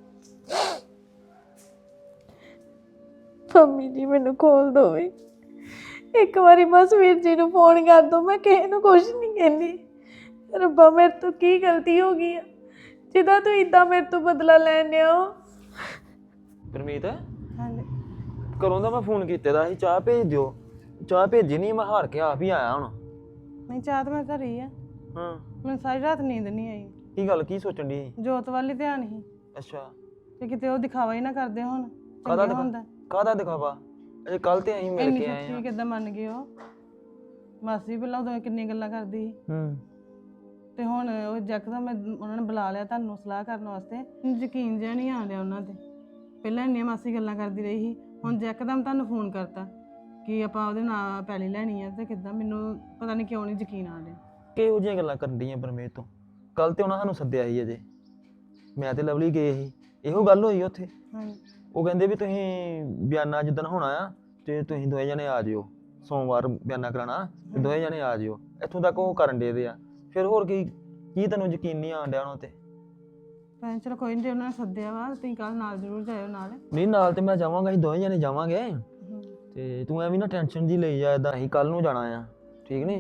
Speaker 6: ਮੰਮੀ ਜੀ ਮੈਨੂੰ ਖੋਲ ਦਿਓ ਵੀ, ਇੱਕ ਵਾਰੀ ਬਸ ਵੀਰ ਜੀ ਨੂੰ ਫੋਨ ਕਰ ਦਿਓ, ਮੈਂ ਕਿਸੇ ਨੂੰ ਕੁਝ ਨਹੀਂ ਕਹਿੰਦੀ। ਰੱਬਾ ਮੇਰੇ ਤੋਂ ਕੀ ਗਲਤੀ ਹੋ ਗਈ ਆ ਜਿਹਦਾ ਤੂੰ ਇਦਾਂ ਮੇਰੇ ਤੋਂ ਬਦਲਾ ਲੈਣ ਆਇਆ?
Speaker 3: ਪਰਮੀਤ,
Speaker 6: ਹਾਂਜੀ
Speaker 3: ਘਰੋਂ ਦਾ ਮੈਂ ਫੋਨ ਕੀਤੇ ਦਾ ਸੀ, ਚਾਹ ਭੇਜ ਦਿਓ। ਚਾਹ ਭੇਜੀ ਨਹੀਂ, ਮੈਂ ਹਾਰ ਕੇ ਆਪ ਹੀ ਆਇਆ ਹੁਣ।
Speaker 7: ਨਹੀਂ ਚਾਹ ਤਾਂ ਮੈਂ ਘਰ ਹੀ ਆ,
Speaker 3: ਹਾਂ,
Speaker 7: ਮੈਨੂੰ ਸਾਰੀ ਰਾਤ ਨੀਂਦ ਨਹੀਂ ਆਈ।
Speaker 3: ਕੀ ਗੱਲ, ਕੀ ਸੋਚਣ ਦੀ?
Speaker 7: ਜੋਤ ਵੱਲ ਹੀ ਧਿਆਨ ਸੀ
Speaker 3: ਅੱਛਾ,
Speaker 7: ਤੇ ਕਿਤੇ ਉਹ ਦਿਖਾਵਾ ਹੀ ਨਾ ਕਰਦੇ ਹੁਣ।
Speaker 3: ਕਾਹਦਾ
Speaker 7: ਚੰਗਾ ਹੁੰਦਾ
Speaker 3: ਕਾਹਦਾ ਦਿਖਾਵਾ? ਅਜੇ ਕੱਲ ਤੇ ਅਸੀਂ ਮਿਲ
Speaker 7: ਇੰਨੀ
Speaker 3: ਕੇ ਆਏ
Speaker 7: ਸੱਚੀ
Speaker 3: ਹਾਂ।
Speaker 7: ਕਿੱਦਾਂ ਮੰਨ ਗਏ ਉਹ? ਮਾਸੀ ਪਹਿਲਾਂ ਉਦੋਂ ਕਿੰਨੀਆਂ ਗੱਲਾਂ ਕਰਦੀ ਸੀ,
Speaker 3: ਹੂੰ,
Speaker 7: ਤੇ ਹੁਣ ਉਹ ਯਕਦਮ ਮੈਂ ਉਹਨਾਂ ਨੇ ਬੁਲਾ ਲਿਆ ਤੁਹਾਨੂੰ ਸਲਾਹ ਕਰਨ ਵਾਸਤੇ। ਮੈਨੂੰ ਯਕੀਨ ਜਿਹਾ ਨਹੀਂ ਆ ਰਿਹਾ ਉਹਨਾਂ ਤੇ। ਪਹਿਲਾਂ ਇੰਨੀਆਂ ਮਾਸੀ ਗੱਲਾਂ ਕਰਦੀ ਰਹੀ ਸੀ, ਹੁਣ ਯਕਦਮ ਤੁਹਾਨੂੰ ਫੋਨ ਕਰਤਾ ਕਿ ਆਪਾਂ ਉਹਦੇ ਨਾਲ ਪੈਲੀ ਲੈਣੀ ਆ, ਤੇ ਕਿੱਦਾਂ ਮੈਨੂੰ ਪਤਾ ਨਹੀਂ ਕਿਉਂ ਨਹੀਂ ਯਕੀਨ ਆ ਰਿਹਾ।
Speaker 3: ਕਿਹੋ ਜਿਹੀਆਂ ਗੱਲਾਂ ਕਰਨ ਡੀਆਂ ਪਰਮੀਤ ਤੋਂ? ਕੱਲ ਤੇ ਉਹਨਾਂ ਸਾਨੂੰ ਸੱਦਿਆ ਸੀ, ਅਜੇ ਮੈਂ ਤੇ ਲਵਲੀ ਗਏ ਸੀ, ਇਹੋ ਗੱਲ ਹੋਈ ਉੱਥੇ।
Speaker 7: ਹਾਂਜੀ
Speaker 3: ਉਹ ਕਹਿੰਦੇ ਵੀ ਤੁਸੀਂ ਬਿਆਨਾ ਜਿੱਦਣ ਹੋਣਾ ਆ ਤੇ ਤੁਸੀਂ ਦੋਵੇਂ ਜਣੇ ਆ ਜਿਓ, ਸੋਮਵਾਰ ਬਿਆਨਾ ਕਰਾਉਣਾ ਤੇ ਦੋਵੇਂ ਜਣੇ ਆ ਜਿਓ। ਇੱਥੋਂ ਤੱਕ ਉਹ ਕਰਨ ਦੇ ਆ, ਫਿਰ ਹੋਰ ਕੀ ਤੈਨੂੰ ਯਕੀਨ ਨਹੀਂ ਆਉਣ ਡਿਆ ਉਹਨਾਂ ਤੇ?
Speaker 7: ਭੈਣ ਚਲੋ ਕੋਈ ਨਹੀਂ, ਜੇ ਉਹਨਾਂ ਨੇ ਸੱਦਿਆ ਵਾ ਤੁਸੀਂ ਕੱਲ ਨਾਲ ਜ਼ਰੂਰ ਜਾਇਓ ਨਾਲ।
Speaker 3: ਨਹੀਂ, ਨਾਲ ਤੇ ਮੈਂ ਜਾਵਾਂਗਾ, ਅਸੀਂ ਦੋਵੇਂ ਜਣੇ ਜਾਵਾਂਗੇ। ਤੇ ਤੂੰ ਐਵੇਂ ਨਾ ਟੈਨਸ਼ਨ ਜੀ ਲਈ ਜਾ, ਏਦਾਂ ਅਸੀਂ ਕੱਲ ਨੂੰ ਜਾਣਾ ਆ, ਠੀਕ ਨਹੀਂ?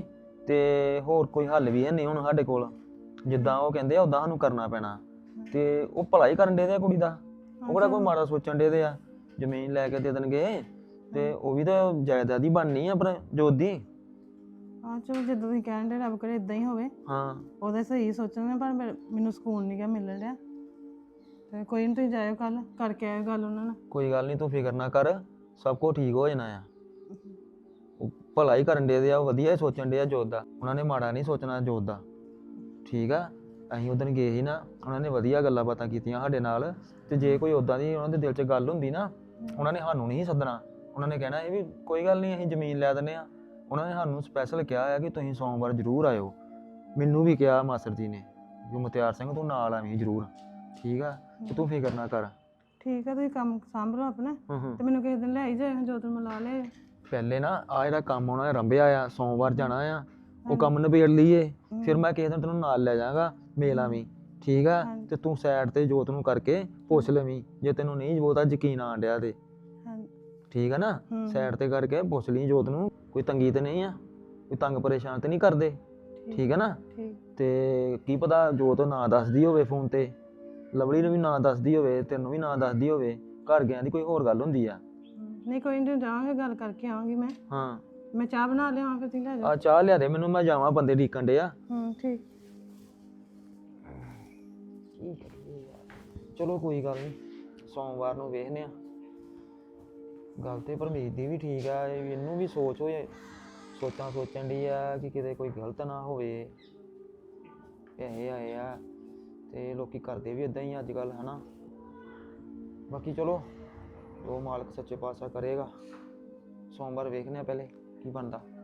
Speaker 8: ਤੇ ਹੋਰ ਕੋਈ ਹੱਲ ਵੀ ਹੈ ਨਹੀਂ ਹੁਣ ਸਾਡੇ ਕੋਲ। ਜਿੱਦਾਂ ਉਹ ਕਹਿੰਦੇ ਆ ਉਦਾਂ ਸਾਨੂੰ ਕਰਨਾ ਪੈਣਾ। ਤੇ ਉਹ ਭਲਾ ਹੀ ਕਰਨ ਦੇ ਆ ਕੁੜੀ ਦਾ, ਉਹ ਕਿਹੜਾ ਕੋਈ ਮਾੜਾ ਸੋਚਣ ਦੇ ਆ। ਜ਼ਮੀਨ ਲੈ ਕੇ ਦੇ ਦੇਣਗੇ ਤੇ ਉਹ ਵੀ ਤਾਂ ਜਾਇਦਾਦ ਹੀ ਬਣਨੀ ਆ ਆਪਣੇ ਜੋਤ ਦੀ।
Speaker 7: ਹਾਂ ਚਲੋ ਜਿੱਦਾਂ ਤੁਸੀਂ ਕਹਿਣ ਦੇ ਰੱਬ ਕਰੇ ਇਦਾਂ ਹੀ ਹੋਵੇ।
Speaker 8: ਹਾਂ
Speaker 7: ਉਹਦੇ ਸਹੀ ਸੋਚਣ ਪਰ ਮੈਨੂੰ ਸਕੂਨ ਨਹੀਂ ਗਾ ਮਿਲ ਰਿਹਾ। ਤੇ ਕੋਈ ਨਹੀਂ ਤੁਸੀਂ ਜਾਇਓ ਕੱਲ ਕਰਕੇ ਆਇਓ ਗੱਲ ਉਹਨਾਂ ਨਾਲ।
Speaker 8: ਕੋਈ ਗੱਲ ਨਹੀਂ, ਤੂੰ ਫਿਕਰ ਨਾ ਕਰ, ਸਭ ਕੁਝ ਠੀਕ ਹੋ ਜਾਣਾ ਆ। ਉਹ ਭਲਾ ਹੀ ਕਰਨ ਦੇ ਆ, ਉਹ ਵਧੀਆ ਹੀ ਸੋਚਣ ਦੇ ਆ ਜੋਤ ਦਾ। ਉਹਨਾਂ ਨੇ ਮਾੜਾ ਨਹੀਂ ਸੋਚਣਾ ਜੋਤ ਦਾ, ਠੀਕ ਆ। ਅਸੀਂ ਉਦੋਂ ਗਏ ਸੀ ਨਾ, ਉਹਨਾਂ ਨੇ ਵਧੀਆ ਗੱਲਾਂ ਬਾਤਾਂ ਕੀਤੀਆਂ ਸਾਡੇ ਨਾਲ। ਤੇ ਜੇ ਕੋਈ ਉਦਾਂ ਦੀ ਉਹਨਾਂ ਦੇ ਦਿਲ 'ਚ ਗੱਲ ਹੁੰਦੀ ਨਾ, ਉਹਨਾਂ ਨੇ ਸਾਨੂੰ ਨਹੀਂ ਸੱਦਣਾ। ਉਹਨਾਂ ਨੇ ਕਹਿਣਾ ਇਹ ਵੀ ਕੋਈ ਗੱਲ ਨਹੀਂ, ਅਸੀਂ ਜ਼ਮੀਨ ਲੈ ਦਿੰਦੇ ਆ। ਉਹਨਾਂ ਨੇ ਸਾਨੂੰ ਸਪੈਸ਼ਲ ਕਿਹਾ ਆ ਕਿ ਤੁਸੀਂ ਸੋਮਵਾਰ ਜ਼ਰੂਰ ਆਇਓ। ਮੈਨੂੰ ਵੀ ਕਿਹਾ ਮਾਸਟਰ ਜੀ ਨੇ ਕਿ ਮੁਖਤਿਆਰ ਸਿੰਘ ਤੂੰ ਨਾਲ ਆਵੀਂ ਜ਼ਰੂਰ, ਠੀਕ ਆ। ਤੇ ਤੂੰ ਫਿਕਰ ਨਾ ਕਰ।
Speaker 7: ਠੀਕ ਆ, ਤੁਸੀਂ ਕੰਮ ਸਾਂਭ ਲਓ ਆਪਣਾ ਤੇ ਮੈਨੂੰ ਕਿਸੇ ਦਿਨ ਲੈ ਹੀ ਜਾਇਓ, ਜੋਤ ਨੂੰ ਮਿਲਾ ਲਿਆਇਓ।
Speaker 8: ਪਹਿਲੇ ਨਾ ਆ ਜਿਹੜਾ ਕੰਮ ਉਹਨਾਂ ਨੇ ਰੰਭਿਆ ਆ, ਸੋਮਵਾਰ ਜਾਣਾ ਆ, ਉਹ ਕੰਮ ਨਿਬੇੜ ਲਈਏ। ਫਿਰ ਮੈਂ ਕਿਸੇ ਦਿਨ ਤੈਨੂੰ ਨਾਲ ਲੈ ਜਾਵਾਂਗਾ, ਮੇਲ ਆਵੀਂ, ਠੀਕ ਆ। ਤੇ ਤੂੰ ਸਾਈਡ ਤੇ ਜੋਤ ਨੂੰ ਕਰਕੇ ਪੁੱਛ ਲਵੀਂ, ਜੇ ਤੈਨੂੰ ਨਹੀਂ ਬਹੁਤਾ ਯਕੀਨ ਆਣ ਡਿਆ ਤੇ, ਠੀਕ ਆ ਨਾ। ਸਾਈਡ ਤੇ ਕਰਕੇ ਪੁੱਛ ਲਈ ਜੋਤ ਨੂੰ, ਕੋਈ ਤੰਗੀ ਤੇ ਨਹੀਂ ਆ, ਕੋਈ ਤੰਗ ਪਰੇਸ਼ਾਨ ਤੇ ਨਹੀਂ ਕਰਦੇ, ਠੀਕ ਆ ਨਾ। ਤੇ ਕੀ ਪਤਾ ਜੋਤ ਨਾ ਦੱਸਦੀ ਹੋਵੇ ਫੋਨ ਤੇ, ਲਵਲੀ ਨੂੰ ਵੀ ਨਾ ਦੱਸਦੀ ਹੋਵੇ, ਤੈਨੂੰ ਵੀ ਨਾ ਦੱਸਦੀ ਹੋਵੇ, ਘਰ ਗਿਆਂ ਦੀ ਕੋਈ ਹੋਰ ਗੱਲ ਹੁੰਦੀ ਆ।
Speaker 7: ਨਹੀਂ ਕੋਈ ਨਹੀਂ, ਜਾਵਾਂਗੇ ਗੱਲ ਕਰਕੇ ਆਵਾਂਗੀ ਮੈਂ।
Speaker 8: ਹਾਂ
Speaker 7: ਮੈਂ ਚਾਹ ਬਣਾ ਲਿਆਵਾਂ ਫਿਰ ਤੁਸੀਂ ਲੈ ਜਾਓ।
Speaker 8: ਆ ਚਾਹ ਲਿਆ ਦੇ ਮੈਨੂੰ, ਮੈਂ ਜਾਵਾਂ, ਬੰਦੇ ਢੀਕਣ ਡੇ ਆ।
Speaker 7: ਠੀਕ।
Speaker 8: ਚਲੋ ਕੋਈ ਗੱਲ ਨਹੀਂ, ਸੋਮਵਾਰ ਨੂੰ ਵੇਖਦੇ ਆ। ਗੱਲ ਤੇ ਪਰਮੀਤ ਦੀ ਵੀ ਠੀਕ ਆ, ਇਹਨੂੰ ਵੀ ਸੋਚਾਂ ਸੋਚਣ ਦੀ ਆ ਕਿ ਕਿਤੇ ਕੋਈ ਗਲਤ ਨਾ ਹੋਵੇ। ਪੈਸੇ ਆਏ ਆ ਤੇ ਲੋਕੀ ਕਰਦੇ ਵੀ ਇਦਾਂ ਹੀ ਅੱਜ ਕੱਲ੍ਹ, ਹਨਾ। ਬਾਕੀ ਚਲੋ ਜੋ ਮਾਲਕ ਸੱਚੇ ਪਾਤਸ਼ਾਹ ਕਰੇਗਾ। ਸੋਮਵਾਰ ਵੇਖਦੇ ਆ ਪਹਿਲੇ ਕੀ ਬਣਦਾ।